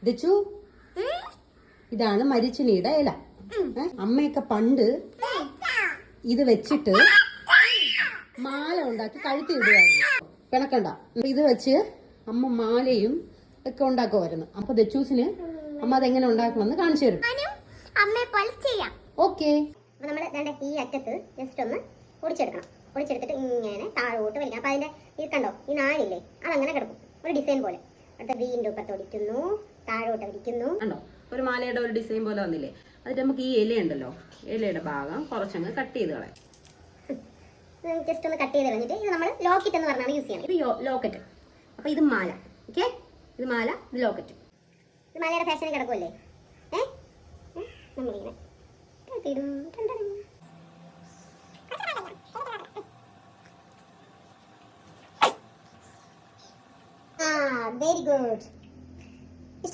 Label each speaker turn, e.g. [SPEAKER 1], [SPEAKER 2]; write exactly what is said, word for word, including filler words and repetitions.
[SPEAKER 1] ദച്ചു, ഇതാണ് മരിച്ചിനിയുടെ ഇല. അമ്മയൊക്കെ പണ്ട് ഇത് വെച്ചിട്ട് മാല ഉണ്ടാക്കി കഴുത്തി ഇടുവായിരുന്നു. പിണക്കണ്ട. ഇത് വെച്ച് അമ്മ മാലയും ഒക്കെ ഉണ്ടാക്കുമായിരുന്നു. അപ്പൊ ദച്ചൂസിന് അമ്മ അതെങ്ങനെ ഉണ്ടാക്കണമെന്ന് കാണിച്ചു തരും. ഓക്കെ.
[SPEAKER 2] അപ്പൊ നമ്മള് ഈ അറ്റത്ത് ജസ്റ്റ് ഒന്ന് പൊടിച്ചെടുക്കണം. പൊടിച്ചെടുത്തിട്ട് ഇങ്ങനെ താഴോട്ട് വലിക്കണം. അപ്പൊ അതിന്റെ ഈ കണ്ടോ, ഈ നാലില്ലേ, അതങ്ങനെ കിടക്കും ഒരു ഡിസൈൻ പോലെ. അടുത്ത വീണ്ടും ഇപ്പുറത്ത് ഒടിക്കുന്നു, താഴോട്ട് ഒടിക്കുന്നു.
[SPEAKER 1] കണ്ടോ, ഒരു മാലയുടെ ഒരു ഡിസൈൻ പോലെ വന്നില്ലേ. അതിട്ട് നമുക്ക് ഈ ഇല ഉണ്ടല്ലോ, ഇലയുടെ ഭാഗം കുറച്ചങ്ങ് കട്ട് ചെയ്ത് കളയാം.
[SPEAKER 2] ജസ്റ്റ് ഒന്ന് കട്ട് ചെയ്ത് കളഞ്ഞിട്ട് ഇത് നമ്മൾ ലോക്കറ്റ് എന്ന് പറഞ്ഞാണ് യൂസ് ചെയ്യണം.
[SPEAKER 1] ഇത് ലോക്കറ്റ്. അപ്പൊ ഇത് മാല. ഓക്കെ, ഇത് മാല, ഇത് ലോക്കറ്റ്.
[SPEAKER 2] ഇത് മാലയുടെ ഫാഷനിൽ കിടക്കുമല്ലേ. ഏഹ് നമ്മളിങ്ങനെ ആ വെരി ഗുഡ്.